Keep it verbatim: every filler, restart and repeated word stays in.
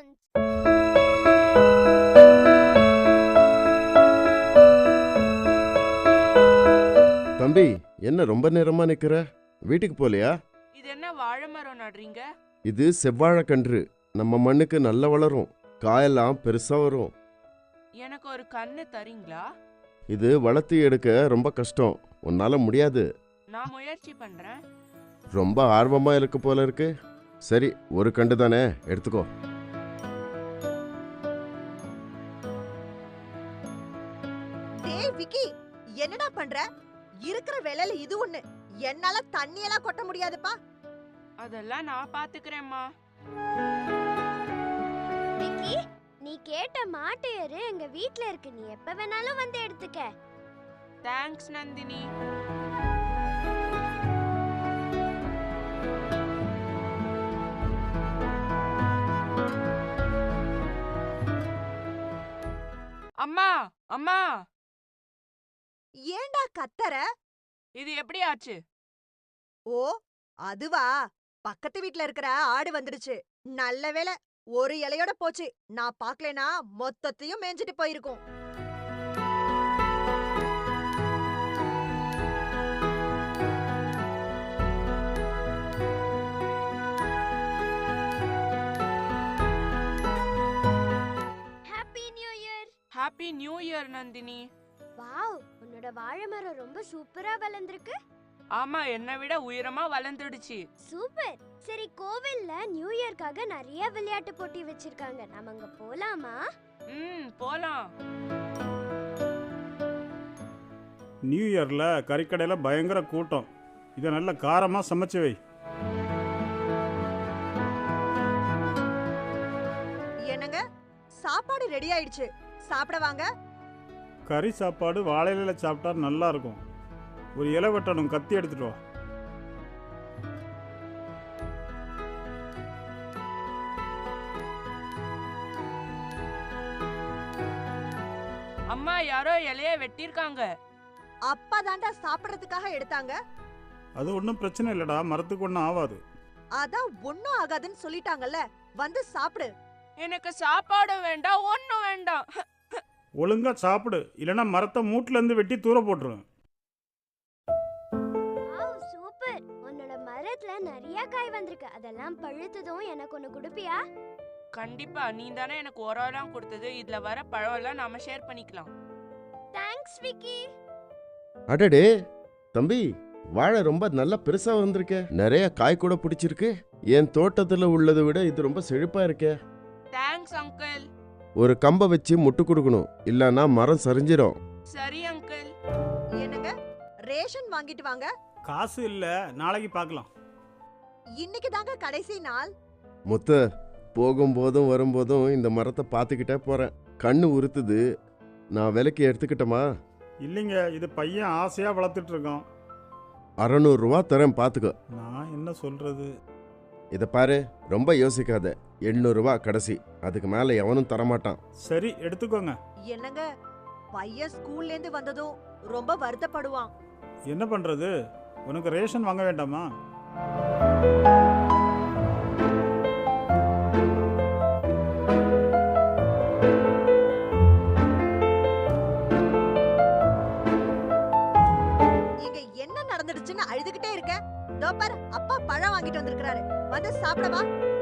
Friends. தம்பி, என்ன ரொம்ப நேரமா நிக்கிற? வீட்டுக்கு போலையா? இது என்ன வாழை மரம் நடுறீங்க? இது செவ்வாழைக்கன்று. நம்ம மண்ணுக்கு நல்ல வளரும், காயெல்லாம் பெருசா வரும். எனக்கு ஒரு கண்ணு தரீங்களா? இது வளர்த்து எடுக்க ரொம்ப கஷ்டம், உன்னால முடியாது. நான் முயற்சி பண்றேன். ரொம்ப ஆர்வமா இருக்கு போல இருக்கு. சரி, ஒரு கண்டு தானே, எடுத்துக்கோ. டேய் விக்கி, என்னடா பண்ற? இருக்கிற வேலையில இது ஒண்ணு. என்னால தண்ணி எல்லாம் கொட்ட முடியாதுப்பா. அதெல்லாம் நான் பாத்துக்கிறேம்மா. விக்கி, நீ கேட்ட மாட்டு எரு எங்க வீட்ல இருக்கு. நீ எப்ப வேணாலும் வந்து எடுத்துக்க. தேங்க்ஸ் நந்தினி. அம்மா, அம்மா, ஏன்டா கத்தற? இது எப்படி ஆச்சு? ஓ, அதுவா? பக்கத்து வீட்ல இருக்கிற ஆடு வந்துடுச்சு. நல்ல வேளை, ஒரு இலையோட போச்சு. நான் பாக்கலனா மொத்தத்தையும் மேஞ்சிட்டு போயிருக்கும். Happy new year. Happy new year Nandini. Wow, உன்னோட வாழை மரம் ரொம்ப சூப்பரா வளர்ந்திருக்கு. ஆமா, என்னை விட உயரமா வளர்ந்துடுச்சு. சூப்பர். சரி, கோவில்ல நியூ இயர்க்காக நிறைய விளையாட்டு போட்டி வச்சிருக்காங்க. நாம அங்க போலாமா? ம், போலாம். நியூ இயரில் கறிக்கடையில் பயங்கர கூட்டம். இதை நல்ல காரமாக சமைச்சு வை. என்னங்க, சாப்பாடு ரெடி ஆயிடுச்சு. சாப்பிட வாங்க. கறி சாப்பாடு வாழையில சாப்பிட்டா நல்லா இருக்கும். ஒரு இலை வெட்டணும், கத்தி எடுத்துட்டு வா. அம்மா, யாரோ இலைய வெட்டிருக்காங்க. அப்பா தாண்டா சாப்பிடறதுக்காக எடுத்தாங்க. அது ஒன்றும் பிரச்சனை இல்லைடா, மரத்துக்கு ஒன்றும் ஆகாது. அதான் ஒண்ணும் ஆகாதுன்னு சொல்லிட்டாங்கல்ல. வந்து சாப்பிடு. எனக்கு சாப்பாடு வேண்டாம், ஒண்ணும் வேண்டாம். ஒழுங்கா சாப்பிடு, இல்லைன்னா மரத்தை மூட்டிலேருந்து வெட்டி தூர போட்டுருவேன். Wow, super. உன்னோட மரத்துல நிறைய காய் வந்திருக்கு. அதெல்லாம் பழுத்ததும் எனக்கு ஒன்னு கொடுப்பியா? கண்டிப்பா. நீ தானே எனக்கு உரம் கொடுத்தது. இதுல வர பழம் எல்லாம் நாம ஷேர் பண்ணிக்கலாம். தேங்க்ஸ் விக்கி. அடடே தம்பி, வாழை ரொம்ப நல்லா பெருசா வந்திருக்கே. நிறைய காய் கூட பிடிச்சிருக்கு. என் தோட்டத்துல உள்ளதை விட இது ரொம்ப செழிப்பா இருக்கே. Thanks uncle. ஒரு கம்பை வச்சு முட்டு கொடுக்கணும், இல்லனா மரம் சரிஞ்சிரும். சரி அங்கிள். என்னங்க, ரேஷன் வாங்கிட்டு வாங்க. காசு இல்லை, நாளைக்கு பார்க்கலாம். இன்னைக்கு தாங்க கடைசி நாள். முத்து, போகும்போதும் வரும்போதும் இந்த மரத்தை பார்த்துக்கிட்டே போறேன். கண்ணு உறுத்துது. நான் விலைக்கு எடுத்துக்கிட்டோமா? இல்லைங்க, இது பையன் ஆசையாக வளர்த்துட்டு இருக்கோம். அறநூறு ரூபா தரேன், பார்த்துக்கோ. நான் என்ன சொல்கிறது? இதை பாரு, ரொம்ப யோசிக்காத. எண்ணூறு ரூபா கடைசி, அதுக்கு மேல எவனும் தரமாட்டான். சரி, எடுத்துக்கோங்க. என்னங்க, பையன் ஸ்கூல்ல இருந்து வந்ததும் ரொம்ப வருத்தப்படுவான். என்ன பண்ணுறது? உனக்கு ரேஷன் வாங்க வேண்டாமா? இங்க என்ன நடந்துடுச்சுன்னு அழுதுகிட்டே இருக்க? தோ பாரு, அப்பா பழம் வாங்கிட்டு வந்திருக்காரு. வந்து சாப்பிடவா?